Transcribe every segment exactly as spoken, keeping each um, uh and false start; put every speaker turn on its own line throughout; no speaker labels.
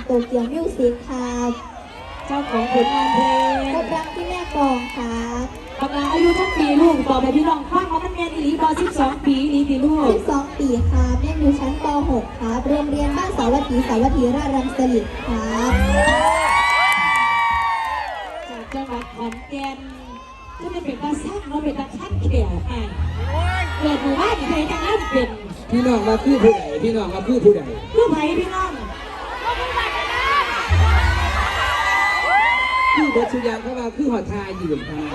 ตเกียวมิวสิกครับ
เจ้าของผลงานเพลง
พบรักที่แม่กองครับ
กำลังอายุทั้งปีลูกต่อไปพี่น้องฟังมาตั้งเรียนอีหลีบอสิบสองปีอีหลีปีลูก
สิบสองปีครับเรียนอยู่ชั้นป หก ครับโรงเรียนบ้านสาวัตถีสาวัตถีราชรังสฤษดิ์ครับ
จากจังหวัดขอนแก่นจะได้เป็นตาซักเราเป็นตาขั้นแขวไอ้เกิดหมู่บ้านใครจะนั่นเป็น
พี่น้องมาคือผู้ใดพี่น้องมาคือผู้ใด
คือไผ่พี่น้อง
คือบัชุยางเขามาคือหอทายยืนทาย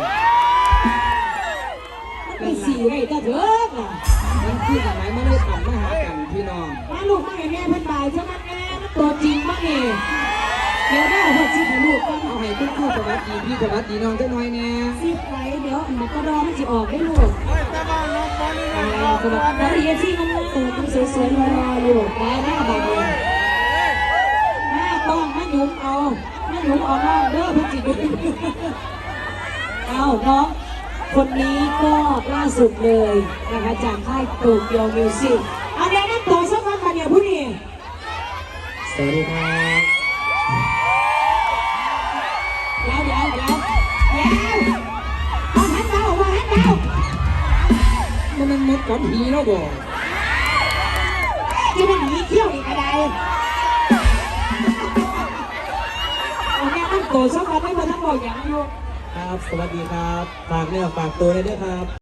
มันเป็นสี่ไงตาเถิดน่ะ
มันคือสมัยมันได้ทำมาหากันพี่น้อง
มาลูกมาให้แม่เพิ่นบายใช่ไหมแม่ตัวจริงมั้งเองเดี๋ยวได้เอาชิปให้ลูกกัน
เอาให้คุณครูสวัสดีพี่สวัสดีน้องจะน้อยแน่
ซิปไว้เดี๋ยวมันก็รอมันจะออกได้ลูกอะไรสวัสดีนักเรียนที่มันสวยสวยๆรออยู่ได้หน้าบางเลยหน้าต้องมาหยุมเอามาหยุมเอาน้องเด้อพี่จิ๋วเอาน้องคนนี้ก็ล่าสุดเลยนะคะจากค่ายโตเกียวมิวสิกเอาเดี๋ยวนั่งโตสักวันมาเดี๋ยวผู้นี้
สวัสดีครับ
เดี๋ยวเดี๋ยวเดี๋ยวเดี๋ยวเอาหันเดาเอาหันเดา
มันมันมดกับผีแล้วบ่
จะเป็นหนีเที่ยวอีกอะไรเอาแม่นั่งโตสักวันไม่มาทั้งบอกอย่างอยู่
ครับสวัสดีครับฝากเนื้อฝากตัวเลยด้วยครับ